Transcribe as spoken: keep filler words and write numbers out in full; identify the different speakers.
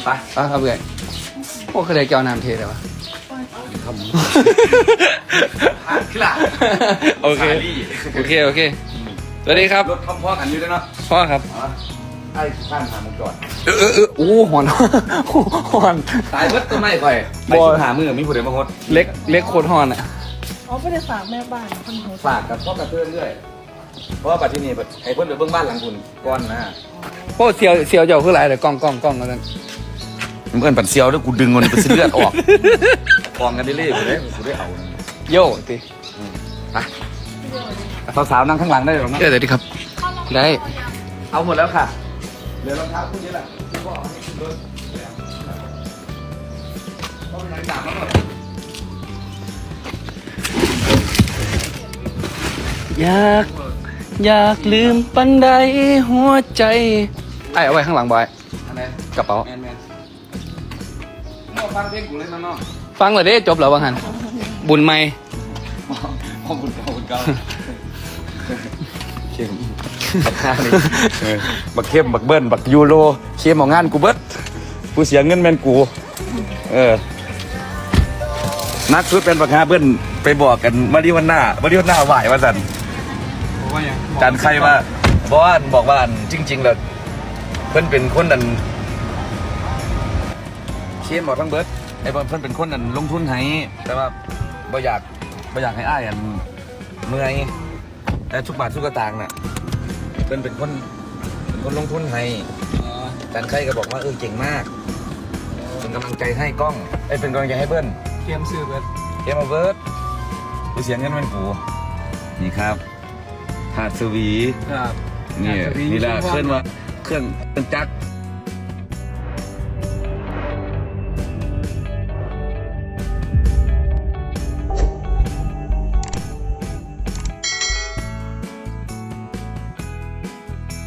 Speaker 1: ไปไปครับเพื่อนโอ้เคยได้เกี่ยวน้ำเทเลยวะ
Speaker 2: ผ่านขึ้นละ
Speaker 1: โอเคโอเคโอเคสวัสดีครับ
Speaker 2: รถคำพ่อกันอยู่ด้วยเนาะ
Speaker 1: พ่อครับ
Speaker 2: ไอ้ข้ามหามุงจอด
Speaker 1: เออเออเออโอ้หอนหอน
Speaker 2: ตายเบิดต้นไม้ข่อยไปชุดหามือมีผู้ใดมาฮด
Speaker 1: เล็กเล็กโคตรหอนอ่ะ
Speaker 3: อ๋อไม่ได้ฝากแม่บ้านคนโหด
Speaker 2: ฝากกับพ่อกระเพื่อนด้วยเพราะว่าปัจจุบันนี้ไอ้เพื่อนไปเบื้องบ้านหลังคุณก้อนนะ
Speaker 1: โอ้เสียวเสียวเจ้าคือไรเลยกล้องกล้องกล้องกัน
Speaker 2: เพื่อนปัดเซียวแล้วกูดึงมันไปเลือดออกกองกันเรื่อยๆกูได้กูได้เอา
Speaker 1: โย่ติ
Speaker 2: ไปสาวๆนั่งข้างหลังได้หรอ
Speaker 1: เออเดี๋ยวดีครับได้
Speaker 2: เอาหมดแล้วค่ะเหลือรองเท้าคู่นี้แหละก็เอาให้ขึ้นรถก็เป็นอะไรต่างกันหมด
Speaker 1: อยากอยากลืมปันใดหัวใจไอ้เอาไว้ข้างหลังบอย
Speaker 2: อะไร
Speaker 1: กระเป๋า
Speaker 2: แมนแมนมั่วฟังเพลงกูเลยนะน้อง
Speaker 1: ฟังเลยเด้จบแล้วว่าหันบุญไม่
Speaker 2: ขอบคุณเก่าคุณเก่าเข้มบักข้านี่บักเข้มบักเบิ้ลบักยูโรเข้มของงานกูเบิดกูเสียเงินแมนกูเออนักสุดเป็นบักฮาเบิ้ลไปบอกกันมาดิวันหน้ามาดิวันหน้าไหวว่าสันจานใครว่าเพราะว่าบอกว่าจริงๆแล้วเพิ่นเป็นคนนั้นเชียนบอกทั้งเบิร์ดไอ้เพิ่นเป็นคนนั้นลงทุนให้แต่ว่าบ่อยากบ่อยากให้อ้ายอันเมื่อยแต่ทุกบาททุกสตางค์น่ะเพิ่นเป็นคนเป็นคนลงทุนให้จานใครก็บอกว่าเออเก่งมากเป็นกำลังใจให้กล้องไอ้เป็นกำลังใจให้เบิ้ล
Speaker 1: เตรียมซื้อเบิด
Speaker 2: เกมมาเบิร์ดกูเสียเงินเป็นกูนี่ครับถาดสวี
Speaker 1: ครับ
Speaker 2: นี่
Speaker 1: ถาดสวี
Speaker 2: นี่แหละ
Speaker 1: ชื่อว่า
Speaker 2: เครื่องว่าเครื่องเครื่องจักร